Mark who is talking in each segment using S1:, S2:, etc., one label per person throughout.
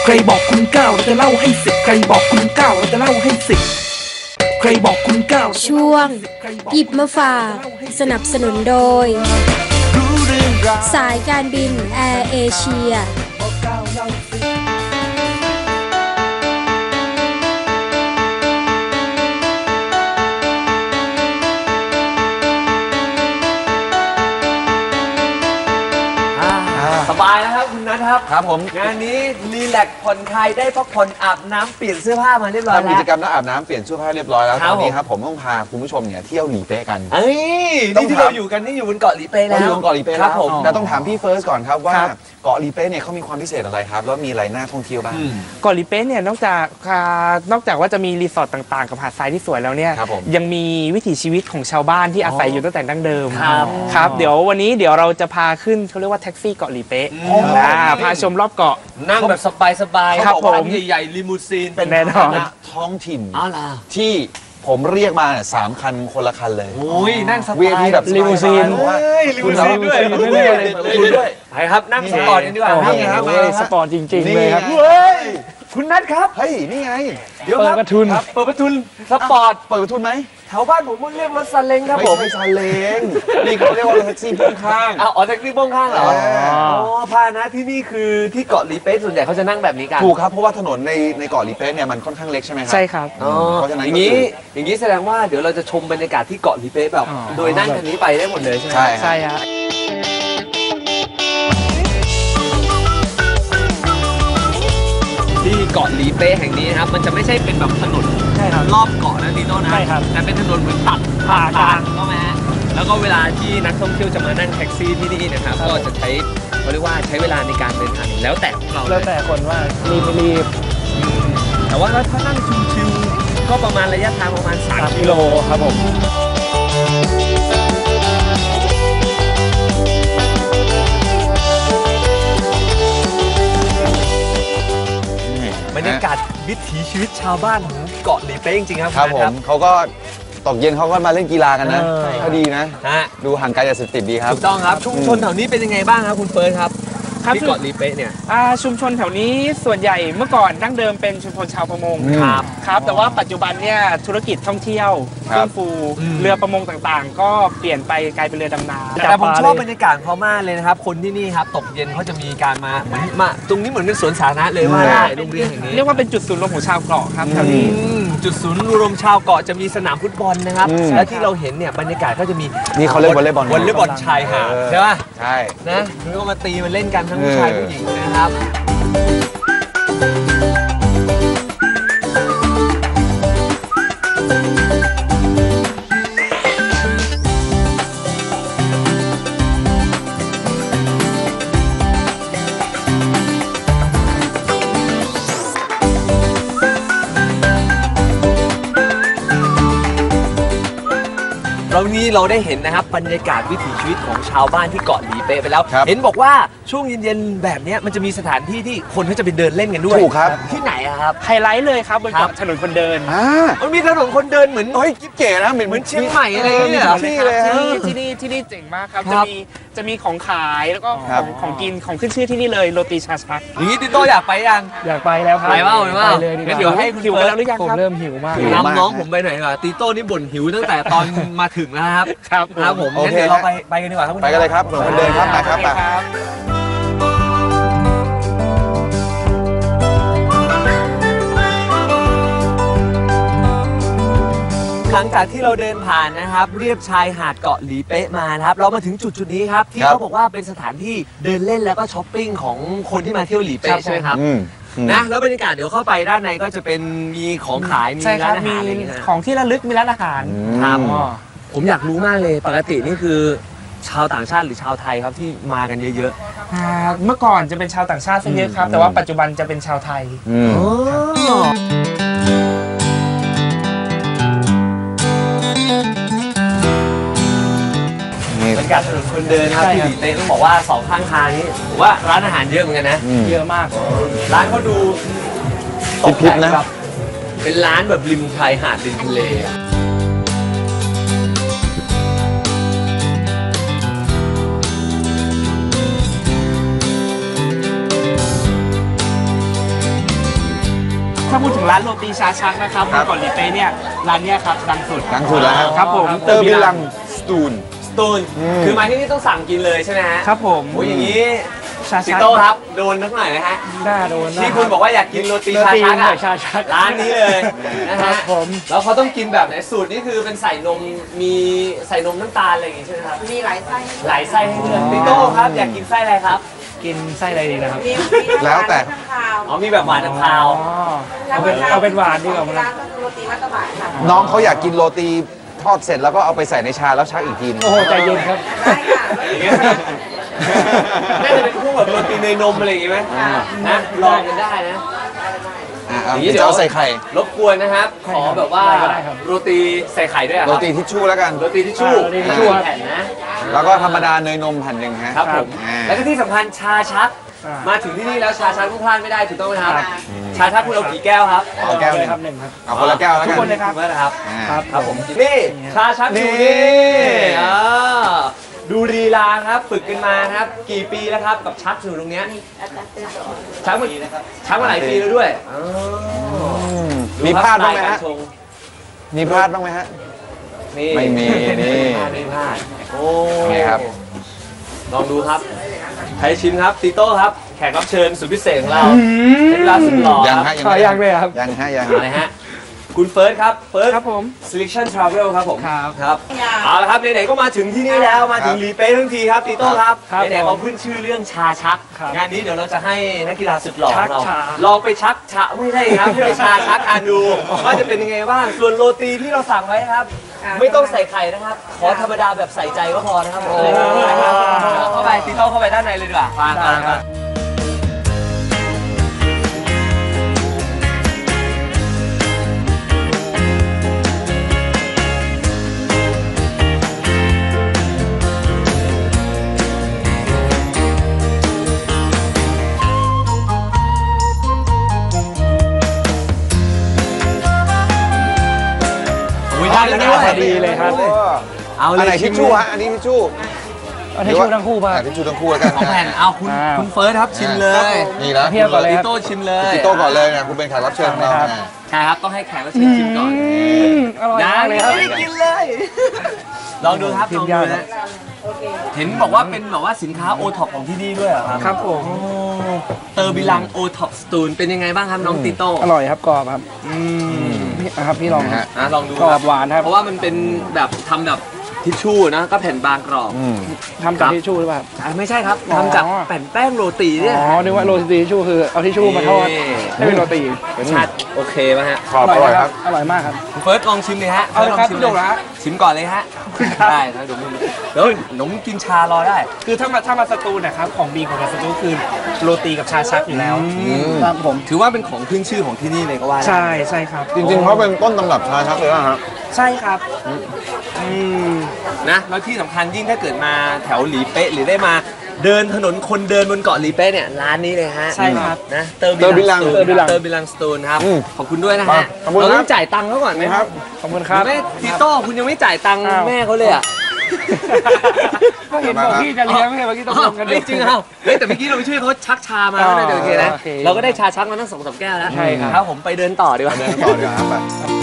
S1: ใครบอกคุณเก้าเราจะเล่าให้สิบใครบอกคุณเก้าเราจะเล่าให้สิบใครบอกคุณเก้า
S2: ช่วงหยิบมาฝากสนับสนุนโดยสายการบินแอร์เอเชีย
S3: สบายแล้วครับคุณนัทครับ
S4: ครับผม
S3: งานนี้รีแลกซ์ผ่อนคลายได้พักผ่อนอาบน้ำเปลี่ยนเสื้อผ้ามาเรียบร้อยแล้ว
S4: ทำกิจกรรมแล้วอาบน้ำเปลี่ยนเสื้อผ้าเรียบร้อยแล้ว
S3: ค
S4: ต
S3: รับ
S4: อนนี้ครับผมต้องพาคุณผู้ชมเนี่ยเที่ยวหลีเป๊ะกัน
S3: เอ้ย
S4: ต้อ
S3: นี่
S4: ง
S3: ที่เราอยู่กันนี่อยู่บนเกาะหลีเป๊ะ
S4: เรา
S3: แล้
S4: อยู่
S3: ว
S4: บนเกาะหลีเป๊ะ
S3: ค
S4: แล้
S3: รับ
S4: ว
S3: ผม
S4: แต่ต้องถามพี่เฟิร์สก่อนครับว่าเกาะหลีเป๊ะเนี่ยเขามีความพิเศษอะไรครับแล้วมีอะไรน่าท่องเที่ยวบ้าง
S5: เกาะหลีเป๊ะเนี่ยนอกจากว่าจะมีรีสอร์ทต่างๆกับหาดทรายที่สวยแล้วเนี่ย
S4: ครับผม
S5: ยังมีวิถีชีวิตของชาวบ้านที่อาศัยอยู่ตั้งแต่ดั้งเดิม
S3: ครับ
S5: ครับเดี๋ยววันนี้เราจะพาขึ้นเขาเรียกว่าแท็กซี่เกาะหลีเป๊ะพาชมรอบเกาะ
S3: นั่งแบบสบายๆ
S5: ครับ
S3: เขาอกว่า
S5: ผม
S3: ใหญ่ๆลิมูซีน
S5: แน่นอน
S4: ท้องถิ่น
S3: อ้าวล่ะ
S4: ที่ผมเรียกมา3 คันคนละคันเลย
S3: โอ้ยนั่งสบาย
S4: เวียที่แบบ
S5: ลิมูซีน
S4: ว่า
S3: เฮ้ยลิมูซีนด้วย
S4: คุณด้วย
S3: ไปครับนั่งสปอร์ตกันดีกว่าครับ
S4: นี่ครับ
S5: โอ้ยสปอร์ตจริงๆเลยครับ
S4: เฮ้ย
S3: คุณนัทครับ
S4: เฮ้ยนี่ไง
S3: เดี๋ยวครับ
S5: เปิดประทุน
S3: ครับเปิดประทุนสปอร์ต
S4: เปิดประทุนไหม
S3: แถวบ้านผมมันเรียกรถซาเล้งครับ
S4: ไม่
S3: ผม
S4: ใช่ซาเล้งนี่เขาเรียกว่ารถแท็กซี่พ่วงข้าง
S3: อ๋อแท็กซี่พ่วงข้างเหรอ
S4: อ๋อ
S3: อ๋อพานะที่นี่คือที่เกาะหลีเป๊ะส่วนใหญ่เขาจะนั่งแบบนี้กัน
S4: ถูกครับเพราะว่าถนนในเกาะหลีเป๊ะเนี่ยมันค่อนข้างเล็กใช่ไหมครั
S5: ใช่ครับ
S3: อ๋อ
S4: เพราะฉะนั้น
S3: อย่างนี้อย่างนี้แสดงว่าเดี๋ยวเราจะชมบรรยากาศที่เกาะหลีเป๊ะแบบ
S5: อ๋อ
S3: โดยนั่งคันนี้ไปได้หมดเลยใช่ไหม
S4: ใช่
S5: ใช่ครับ
S3: ที่เกาะหลีเป๊ะแห่งนี้นะครับมันจะไม่ใช่เป็นแบบถนน
S5: ใช่ครับ
S3: รอบเกาะนะดีโน่นะ
S5: ใช่ครับ
S3: แต่เป็นถนนเหมือนตัด
S5: ผ่ากลาง
S3: ก็ไหมฮะแล้วก็เวลาที่นักท่องเที่ยวจะมานั่งแท็กซี่ที่นี่นะครับก็จะใช้เขาเรียกว่าใช้เวลาในการเดินทางแล้วแต่ของเรา
S5: แล้วแต่คนว่ารีบไม่รีบ
S3: แต่ว่าถ้านั่งชิวๆก็ประมาณระยะทางประมาณ3 กิโล
S5: ครับผม
S3: บรรยากาศวิถีชีวิตชาวบ้านของเกาะหลีเป๊ะจริงๆครับ
S4: ครับ
S3: ณ
S4: ผ
S3: นั
S4: ม
S3: ท
S4: เขาก็ตกเย็นเขาก็มาเล่นกีฬากันนะ
S3: เออ
S4: ก็ดีนะ
S3: ฮะ
S4: ดูห่างไกลจากเสพติดดีครับ
S3: ถูกต้องครับชุมชนแถวนี้เป็นยังไงบ้างครับคุณเฟิร์สครับ
S5: ครับ
S3: ที่เกาะหลีเป๊ะเนี่ย
S5: ชุมชนแถวนี้ส่วนใหญ่เมื่อก่อนดั้งเดิมเป็นชุมชนชาวประมง
S4: ครับ
S5: ครับแต่ว่าปัจจุบันเนี่ยธุรกิจท่องเที่ยว
S4: ครั
S5: ฟื้
S4: บ
S5: นฟูเรือประมงต่างๆ ก็เปลี่ยนไปกลายเป็นเรือดำน้ำ
S3: แต่ผมชอบบรรยากาศเขามากเลยนะครับ คนที่นี่ครับตกเย็นเขาจะมีการมาเหมือนมาตรงนี้เหมือนเป็นสวนสาธารณะเลยว่าได้โรงเรียนแห่งนี้
S5: เรียกว่าเป็นจุดศูนย์รวมของชาวเกาะครับแถวนี้
S3: จุดศูนย์รวมชาวเกาะจะมีสนามฟุตบอลนะครับ และที่เราเห็นเนี่ยบรรยากาศก็จะมี
S4: นี่เขาเล่นวอลเลย์บอล
S3: วอลเลย์บอลชายหาดใช่ป่ะ
S4: ใช่
S3: นะแล้วก็มาตีมาเล่นกันทั้งผู้ชายผู้หญิงนะครับแล้วนี้เราได้เห็นนะครับบรรยากาศวิถีชีวิตของชาวบ้านที่เกาะหลีเป๊ะไปแล้ว
S4: ครับ
S3: เห็นบอกว่าช่วงเย็นๆแบบเนี้ยมันจะมีสถานที่ที่คนเขาจะไปเดินเล่นกันด้วย
S4: ถูกครับ
S3: ที่ไหนอะครับ
S5: ไฮไลท์เลยครับบน
S3: ครับ
S5: เกาะถนนคนเดิน
S3: มันมีถนนคนเดินเหมือน
S4: เฮ้ยกิ๊บเก๋นะเหมือน
S3: เหมือนเชียงใหม่อะไรอย่างเงี้ยเหรอ
S4: ที่เลยฮะ
S5: ที่นี่เจ๋งมากครับ
S3: ครับ
S5: จะมีของขายแล้วก็
S4: ครับ
S5: ของกินของขึ้นชื่อที่นี่เลยโรตีชาชัก
S3: อย่างนี้ติโต้อยากไปยัง
S5: อยากไปแล้วครับ
S3: ไปเปล่าไปเปล่า
S5: เลยดีก
S3: งั้น
S5: ว่า
S3: เดี๋ยวให้คุณ
S5: หิว
S3: เฟิ
S5: กัน
S3: ร์ส
S5: แล้วหรือยังครับผมเริ่มหิวมาก
S4: หิว
S3: นำน้องผมไปหน่อยดีกว่าติโต้นี่บ่นหิวตั้งแต่ตอนมาถึงแล้วครับ
S5: ครับ
S3: ครับผม
S4: โอ
S3: งั้น
S4: เค
S3: เดี๋ยวเราไปกันดีกว่าครับคุณ
S4: ไปกันเลยครับถนนคนเดินครับไปครับไป
S3: หลังจากที่เราเดินผ่านนะครับเรียบชายหาดเกาะหลีเป๊ะมานะครับเรามาถึงจุดนี้ครับที่
S4: ครับ
S3: เขาบอกว่าเป็นสถานที่เดินเล่นแล้วก็ช้อปปิ้งของคนที่มาเที่ยวหลีเป๊ะใช่ไหมครับ
S4: อืม
S3: นะแล้วบรรยากาศเดี๋ยวเข้าไปด้านในก็จะเป็นมีของขายมี
S5: ใช่ค
S3: ร้า
S5: รับ
S3: นอา
S5: มี
S3: หารอะไรอย่างเงี้ยนะ
S5: ของที่ระลึกมีร้านอาหาร
S3: ครับ
S5: อ๋อ
S3: ผมอยากรู้มากเลยปกตินี่คือชาวต่างชาติหรือชาวไทยครับที่มากันเยอะ
S5: เมื่อก่อนจะเป็นชาวต่างชาติซะเยอะครับ แต่ว่าปัจจุบันจะเป็นชาวไทย
S4: อืม
S3: ๆอ๋อ
S4: นี่
S3: บรรยากาศถนนคนเดินครับ
S5: ใช่
S3: ที่
S5: ค
S3: ห
S5: รับ
S3: ลีเป๊ะต้องบอกว่าสองข้างทางนี้ผมว่าร้านอาหารเยอะเหมือนกันนะ
S5: เยอะมาก
S3: ร้านเขาดูตก
S4: พิบ
S3: แต่ง
S4: ๆนะ
S3: แบบเป็นร้านแบบริมชายหาดริมทะเลอะ
S5: ถ้าพูดถึงร้านโรตีชาชักนะครับบนเกาะหลีเป๊ะเนี่ยร้านเนี้ยครับดังสุด
S4: ดังสุดแล้วครับ
S5: ครับผม
S4: เตอร์บิลังสตูน
S3: ตูนคือมาที่นี่ต้องสั่งกินเลยใช่ไหมฮะ
S5: ครับผม
S3: โอ้ยอย่างนี้
S5: ชา
S3: ติ
S5: ชัก
S3: โต้ครับโดนทั้งหน่อยนะฮะ
S5: หน้าโดน
S3: ที่คุณบอกว่าอยากกินโรตี
S5: โร
S3: ชา
S5: ตี
S3: ชัก
S5: หน่
S3: อะ
S5: อยชาชัก
S3: ร้านนี้เลยนะ
S5: ครั
S3: ฮะ
S5: บผม
S3: แล้วเขาต้องกินแบบไหนสูตรนี่คือเป็นใส่นมมีใส่นมน้ำตาลอะไรอย่างงี้ใช่ไหมครับ
S6: มีหลายไส้
S3: หลายไส้ให้เลือกติโต้ครับอยากกินไส้อะไรครับ
S5: กินไส้อะไรดีนะครับ
S6: มี
S4: แล้วแต่
S6: ข้าว
S3: อ๋อมีแบบหวานกับคาว
S5: อ๋อเอาเป็นหวานดีกว่ามั้ง
S6: ร้านก็คือโรตีมัตตบะค่ะ
S4: น้องเขาอยากกินโรตีทอดเสร็จแล้วก็เอาไปใส่ในชาแล้วชักอีกทีนึง
S5: โอ้โหใจเย็นครับ
S6: ได้ค่ะ
S3: อย่างเงี้ยน่าจะเป็นพวกแบบโรตีเนยนมอะไรอย่างงี้ไหมนะลองกันได้นะ
S4: อย่างนี้จะเอาใส่ไข่
S3: รบกวนนะครับ ขอแบบว่า
S5: ได้ก็ได้ครับ
S3: โรตีใส่ไข่ด้วยอะค
S4: โร
S3: รับ
S4: ตีทิชชู่แล้วกัน
S3: โรตีทิชชู่
S5: โรตีทิชชู่ครับ
S3: แผ่นนะ
S4: แล้วก็ธรรมดาเนยนมแผ่นหนึ่งฮะ
S3: ครับผม
S4: อ่า
S3: แล้วก็ที่สำคัญชาชัก
S5: อ่าม
S3: มาถึงที่นี่แล้วชาชักต้องพลาดไม่ได้ถูกต้องไหมครับ
S5: ครับ
S3: ชาชักคุณเอากี่แก้วครับ
S4: เอาแก้วหนึ่ง
S5: ครับหนึ่งครับ
S4: เอาคนละแก้วแล้ว
S5: ทุ
S4: กั
S5: ก
S4: น
S5: คนเลยครับ
S3: ถูกไหมนะครับ
S4: อ่า
S3: ครับผมนี่ชาชักอยู่นี่อ่าดูลีลาครับฝึกกันมาครับกี่ปีแล้วครับกับชักอยู่ตรงเนี้ยชักมาหลายปีแล้วด้วยอ๋อ
S4: มีพลาดบ้างไหม
S3: กา
S4: ฮะ
S3: รชง
S4: มีพลาดบ้างไหมฮะ
S3: นี่
S4: ไม่มีนี่
S3: ไม่พลาดโอ้
S4: ไงครับ
S3: ลองดูครับใครชิมครับติโต้ครับแขกรับเชิญสุดพิเศษของเราใช้เวลาสุดหล่อ
S4: ยัง
S3: ค
S4: ฮะ
S3: รับ
S4: ยัง
S5: ขอ
S4: ไม่
S5: ยังเลยครับ
S4: ยังฮะยัง
S3: อะไรฮะคุณเฟิร์สครับเฟิร์ส
S5: ครับผม
S3: Selection Travel ครับผม
S5: ครับ
S3: ครับเอาละครับไหนๆก็มาถึงที่นี่แล้วมาถึงหลีเป้ทั้งทีครับติโต้ครับ
S5: ครับ
S3: ไหนๆเราขึ้นชื่อเรื่องชาชัก
S5: ครับ
S3: งานนี้เดี๋ยวเราจะให้นักกีฬาสุดหล่อของเรา
S5: ชักชา
S3: ลองไปชักชาไม่ใช่ครับให้ไปชาชักทานดูว่าจะเป็นยังไงบ้างส่วนโรตีที่เราสั่งไว้ครับ ไม่ต้องใส่ไข่นะครับ ขอธรรมดาแบบใส่ใจก็พอนะครับผมเข้าไปติโต้เข้าไปด้านในเลยดีกว่าฟังกัน ได้แล้วด้วย
S5: พอดีเลยครับ
S3: เอา
S4: อัน
S3: เล
S4: ไหน
S3: ย
S4: ทิชชู่ฮะอันนี้ทิชชู่
S5: เอาทิชชู่ทั้งคู่ป่ะ
S4: อ่ะทิชชู่ทั้งคู่แล้วกัน
S3: สองแผ่นเอาคุณเฟิร์สครับชิมเลย
S4: นี่แล้ว
S5: เทียบก่อนเลย
S3: ติโต้ชิมเลย
S4: ติโต้ก่อนเลยนะคุณเป็นแขกรับเชิญของเรา
S5: ครับ
S4: อ่ะ
S3: ใช่ครับต้องให้แขกรับเชิญชิมก่อน
S5: อร่อยมากเลยครับ
S3: ไม่ได้กินเลย ลองดูครับ
S5: ชิ
S3: ล
S5: ม
S3: อง
S5: ยา
S3: ดู
S5: กครั
S3: นะ
S5: บ
S3: เห็นบอกว่าเป็นแบบว่าสินค้าโอท็อปของที่นี่ด้วยเหรอครับ
S5: ครับผม
S3: เตอร์บิลังโอท็อปสตูนเป็นยังไงบ้างครับน้องติโต้
S5: อร่อยครับกรอบครับพี่ครับพี่ลอง
S4: นะ
S5: ค
S4: ฮะ
S5: รับ
S3: ลองดู
S5: กรอบหวานครับ
S3: เพราะว่ามันเป็นแบบทำแบบทิชชู่นะก็แผ่นบางกรอบ
S4: อืม
S5: ทำจากทิชชู่หรือเปล่า
S3: ไม่ใช่ครับ
S5: อ๋อ
S3: ทำจากแผ่นแป้งโรตีเนี่ย
S5: อ๋อนึกว่าโรตีทิชชู่คือเอาทิชชู่มาทอด
S3: นี่
S5: ให้เป็นโรตี
S3: ชาติโอเคไหมฮะ
S4: ขอบอร่อยครับ
S5: อร่อยมากครับ
S3: คุณเฟิร์สลองชิมเลยฮะ
S5: เอาเลยครับ
S3: ฟิ
S5: พี่
S3: ร์ส
S5: โด่
S3: ลอง
S5: งนะ
S3: ชิมก่อนเลยฮะได้ครับเดี๋ยวหนมกินชารอได้
S5: คือถ้ามาสตูลนะครับของดีของสตูลคือโรตีกับชาชักอยู่แล้ว
S3: ม
S5: ครับผม
S3: ถือว่าเป็นของขึ้นชื่อของที่นี่เลยก็ว่าได้
S5: ใช่ใช่ครับ
S4: จริงๆเขาเป็นต้นตำรับชาชักเลยนะฮะ
S5: ใช่ครับ
S3: นะแล้วที่สำคัญยิ่งถ้าเกิดมาแถวหลีเป๊ะหรือได้มาเดินถนนคนเดินบนเกาะหลีเป๊ะเนี่ยร้านนี้เลยฮะ
S5: ใช่ครับ
S3: นะเตอร์บิลังสตูนครับขอบคุณด้วยนะฮะ
S4: ขอบคุณ
S3: เรา
S4: ค
S3: ต้
S4: รั
S3: อบ งจ่ายตังค์เขาก่อนไหม
S4: ครับ
S5: ขอบคุณครับ
S3: แม่ติโต้คุณยังไม่จ่ายตังค์
S5: อ้าว
S3: แม่เขาเลยอ่ะ
S5: ก็เห็นบอกพี่จะเลี้ยงไม่ใช่เมื่อกี้ต้องลงกัน
S3: เฮ้ยจริงเหรอเฮ้ยแต่เมื่อกี้เราไปช่วยเขาชักชามา
S5: อ๋อ
S3: แล้วนะเดี๋ยวโอเคนะ
S5: โอเค
S3: เราก็ได้ชาชักมาตั้ง2-3 แก้วแล้ว
S5: ใช่ครับ
S3: ครับผมไปเดินต่อดีกว่า
S4: เดินต่อดีกว่าครับไป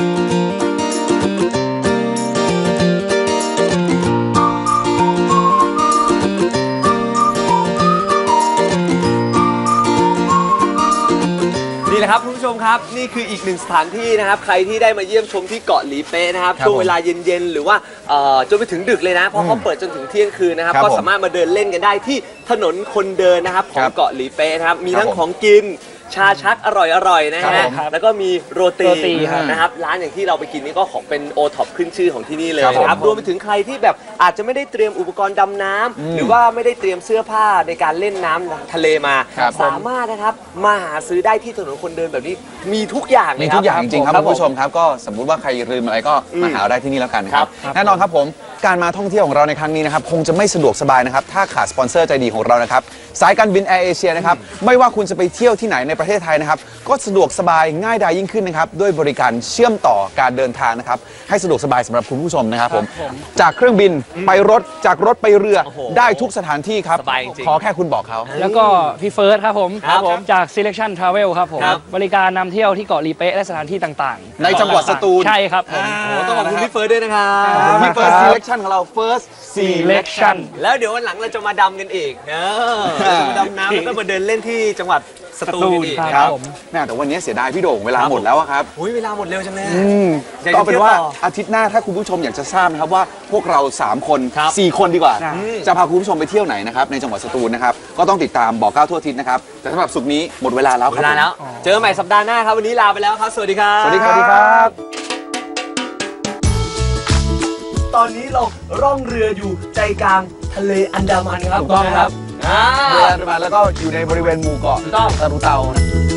S3: นี่แหละครับคุณผู้ชมครับนี่คืออีกหนึ่งสถานที่นะครับใครที่ได้มาเยี่ยมชมที่เกาะหลีเป๊ะนะครับ
S4: ครับ
S3: ช่วงเวลาเย็นๆหรือว่าจนไปถึงดึกเลยนะเพราะเขาเปิดจนถึงเที่ยงคืนนะครับ
S4: ครับ
S3: ก็
S4: ผม
S3: สามารถมาเดินเล่นกันได้ที่ถนนคนเดินนะครับขอ
S4: ค
S3: ง
S4: รับ
S3: เกาะหลีเป๊ะนะครับมี
S4: ครับ
S3: ทั้ง
S4: ผม
S3: ของกินชาชักอร่อยๆนะ
S4: ครั
S3: ฮะ
S4: บผม
S3: แล้วก็มีโรตี
S5: โรตีครับ
S3: นะครับร้านอย่างที่เราไปกินนี่ก็ของเป็นโอท็อปขึ้นชื่อของที่นี่เลย
S4: ครับผม
S3: นะครับรวมไปถึงใครที่แบบอาจจะไม่ได้เตรียมอุปกรณ์ดำน้ำหรือว่าไม่ได้เตรียมเสื้อผ้าในการเล่นน้ำทะเลมา
S4: ครับผม
S3: สามารถนะครับมาหาซื้อได้ที่ถนนคนเดินแบบนี้มีทุกอย่างเล
S4: มี
S3: ยค
S4: ทุ
S3: รับ
S4: กอย่างจริงๆครับ
S3: ผ
S4: คุณผู้ชมครับก็สมมุติว่าใครลืมอะไรก็มาหาเราได้ที่นี่แล้วกันนะครับ
S3: ครับ
S4: แน่นอนครับผมการมาท่องเที่ยวของเราในครั้งนี้นะครับคงจะไม่สะดวกสบายนะครับถ้าขาดสปอนเซอร์ใจดีของเรานะครับสายการบินแอร์เอเชียนะครับไม่ว่าคุณจะไปเที่ยวที่ไหนในประเทศไทยนะครับก็สะดวกสบายง่ายดายยิ่งขึ้นนะครับด้วยบริการเชื่อมต่อการเดินทางนะครับให้สะดวกสบายสำหรับคุณผู้ชมนะครับผมจากเครื่องบินไปรถจากรถไปเรือได้ทุกสถานที่ครับ
S3: สบายจริงๆ
S4: ขอแค่คุณบอกเขา
S6: แล้วก็พี่เฟิร์สครับผม
S3: ครับผม
S6: จาก Selection Travel ครับผม
S3: ครับ
S6: บริการนำเที่ยวที่เกาะลีเป๊ะและสถานที่ต่างๆ
S4: ในจังหวัดสตูล
S6: ใช่ครับผม
S3: โอ้ต้องขอบคุณพี่เฟิร์สด้วยนะครับ
S4: พี่ First Selection ของเรา First
S6: Selection
S3: แล้วเดี๋ยววันหลังเราจะมาดำกันอีกมาดำน้ำแล้วก็มาเดินเล่นที่จังหวัดสตูลกันอีก
S6: ครับ
S3: นะครับ
S6: ผม
S4: แม่แต่วันนี้เสียดายพี่โด่งเวลาหมดแล้วอะครับ
S3: อุ้ยเวลาหมดเร็วจังเลย อยาก
S4: ก็
S3: จะ
S4: เป็นว่า
S3: เที่ยวต่อ
S4: อาทิตย์หน้าถ้าคุณผู้ชมอยากจะทราบนะครับว่าพวกเรา 3 คน
S3: ครับ
S4: 4 คนดีกว่า
S6: ครับ
S4: จะพาคุณผู้ชมไปเที่ยวไหนนะครับในจังหวัดสตูลนะครับก็ต้องติดตามบอกเก้าทั่วอาทิศนะครับแต่สำหรับสุกร์นี้หมดเวลาแล้วค
S3: เว
S4: รับ
S3: ลาแล้ว เจอกันใหม่สัปดาห์หน้าครับวันนี้ลาไปแล้วครับสวัสดีครับ
S4: สวัสดีครับ
S3: ตอนนี้เราร่องเรืออยู่ใจกลางทะเลอันดามันครับ
S4: ถูกต้องครับ
S3: อ่า
S4: เรืออันดามันแล้วก็อยู่ในบริเวณหมู่เกาะ
S3: ถูกต้อง
S4: ตะรุเตานะ